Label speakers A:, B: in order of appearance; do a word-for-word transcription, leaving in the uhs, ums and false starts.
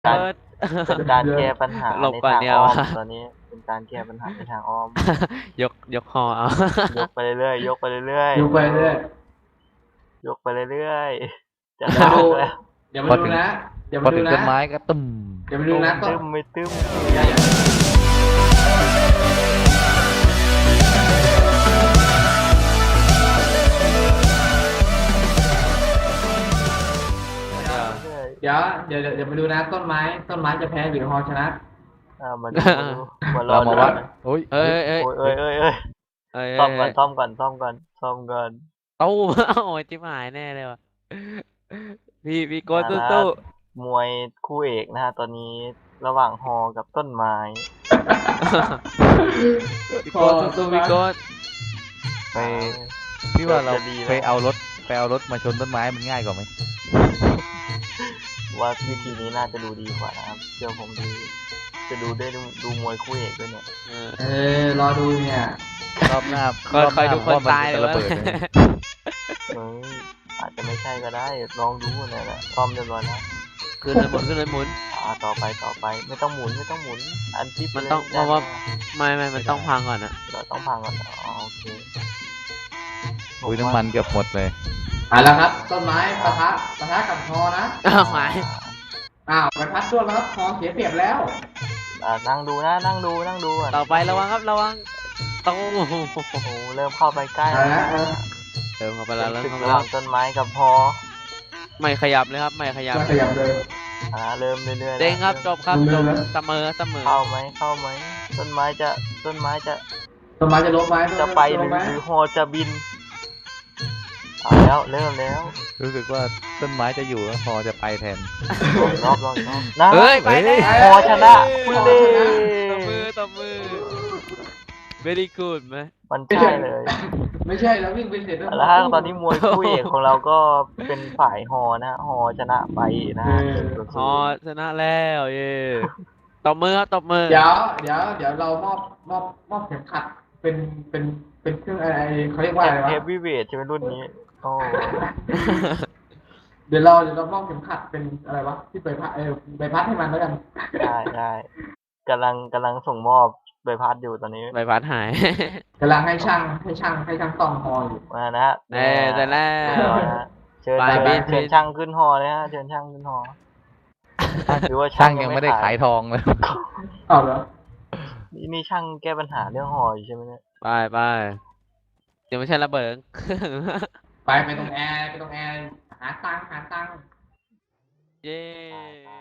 A: การ
B: เปิด
A: เป็นการแก้ปัญหา
B: หลบ
A: ใน
B: ก่อน
A: ทาง
B: เนี่ย
A: อ้อม
B: วะ
A: ตอนนี้เป็นการแก้ปัญหาในทางอ้อม
B: ยกยกคอเอา
A: ยกไปเรื่อยๆยกไปเรื่อยๆ
C: ยกไปเรื่อย
A: ยกไปเรื่อยๆจะ
C: เดี๋ยว
A: ได้
C: ดู
A: แล้ว
C: เดี๋ยวมาดูนะเดี๋ยว
D: พอ
C: มาดู
D: ถึง
C: นะ
D: ต้นไม้ก็ตึม
C: เดี๋ยวมาดูนะต้น
A: ตึ้มไม่ตึ้ม
C: อย่าอย่าเดี๋ยวเดี๋ยวเดี๋ยวเดี๋ยวมาดูนะต้นไม้ต้นไม้จะแพ้หรือฮอชนะ
A: อ่ามาดูมาดูมารอ
D: เรามาวัด
A: ดู
D: โอ้ย
B: เอ้ยเอ้ย
A: โอ้ยเอ้ยเอ้ยเอ้ย
B: เอ้ย
A: ซ่อมก่อนซ่อมก่อนซ่อมก่อนซ่อมก่อน
B: ตู้ โอ้ยจิ้มหายแน่เลยว่ะพี่พี่โกด
A: มา
B: ตู้
A: ละ มวยคู่เอกนะฮะตอนนี้ระหว่างฮอกับต้นไม้
B: ๆพี่โกดตู้ๆพี่โกด
D: ไปพี่ว่าเรา
A: จะดีนะ
D: ไปเอารถไปเอารถมาชนต้นไม้มันง่ายกว่าไหม
A: ว่าวิธีนี้น่าจะดูดีกว่านะครับเชื่อผมดีจะดูได้ดูดูมวยคู่เอกด้วยเนี่ย
B: เออ
C: เออรอดูเนี่ย
D: รอบหน้า
B: คอย
D: รอบ
B: คอย
D: ห
B: ดูคน
D: ว่มั
B: ตาย
D: จะ
B: เลย
D: ระ
B: วะ
D: เบิดเลย
A: เอ้ยอาจจะไม่ใช่ก็ได้ลองดูเนี่ยแหละซ่อมเรียบร้อยแล้ว
B: ขึ้นเลยหมุนขึ้นเลยหมุน
A: อ่าต่อไปต่อไปไม่ต้องหมุนไม่ต้องหมุน อันที่
B: มันต้องเพราะว่า ไม่ไม่มันต้องพังก่อนนะ
A: เราต้องพังก่อนอ๋อโอเค
D: อุ้ยน้ำมันเกือบหมดเลย
C: อ่ะแล้วครับ ต้นไม้ปะทะปะทะกับฮอนะ
B: อ้าวหาย
C: อ้าวไปพัดตัวแล้วครับฮอเสียเปรียบแล้ว
A: อ่านั่งดูนะนั่งดูนั่งดูก่อน
B: ต่อไประวังครับระวังตู้
A: โอ้โหเริ่มเข้าไปใกล้
C: เอาละเออ
B: เติมเข้าไปแล้วเริ่ม
A: ศึก
B: เข้าไประ
A: ห
B: แล้
A: ว่าว งต้นไม้กับฮอ
B: ไม่ขยับเลยครับไม่ขยับ
C: มาขยับเลย
A: อ่าเริ่มเรื่อยๆ
B: เด้งครับจบครับจบ
C: เร็วๆ
B: เสมอเสมอ
A: เข้าไหมเข้าไหมต้นไม้จะต้นไม้จะ
C: ต้นไม้จะล้มไหม
A: จะไปห
C: ล้
A: รื
C: ม
A: อ
C: ไหม
A: หรือฮอจะบินเอาแล้วเริ่มแล้ว
D: รู้สึกว่าต้นไม้จะอยู่แล้วพอจะไปแทน
A: ลองรอบลองรอบนะ
B: เฮ้ยไปแล้ว
A: ฮอชนะคุณเล่
B: ตบมือตบมือ very good ไหม
A: มันใช่เลย
C: ไม่ใช่แล้ววิ่งไปเสร็จแล้ว
A: แล้วฮะตอนนี้มวยคู่เอกของเราก็เป็นฝ่ายฮอนะฮะฮอชนะไปนะฮะ
B: ฮอชนะแล้วเย่ตบมือครับตบมือ
C: เดี๋ยวเดี๋ยวเดี๋ยวเรามอบมอบมอบเข็มขัดเป็นเป็นเป็นเครื่องอะไรเขาเรียกว่าอะไรวะ
A: เฮฟวีเวทใช่ไหมรุ่นนี้โอ้
C: เดี๋ยวเราเดี๋ยวเรามอบเข็มขัดเป็นอะไรวะที่ไปพัดเออไปพัดให้มันแล้วกัน
A: ได้ได้กำลังกำลังส่งมอบใบพัดอยู่ตอนนี้
B: ใบพัดหาย
C: กำลังให้ช่างให้ช่างให้ช่างซ่อมฮออยู่
A: มานะฮะ
B: เอ้ยแต่แล้
A: เรียบร้อยนะฮะเชิญ
B: ไป
A: เชิญ
B: บิน
A: เชิญช่างขึ้นฮอเลยฮะเชิญช่างขึ้นฮอหรือว่า
D: ช่างยังไม่ได้ขายทองเลย
C: เอาเหรอ
A: นี่นี่ช่างแก้ปัญหาเรื่องฮออยู่ใช่ไหมเนี่ย
B: ไปไปเดี๋ยวไม่ใช่ระเบิด
C: ไปไปตรงแอร์ไปตรงแอร์หาตังค์หาตังค์
B: เย้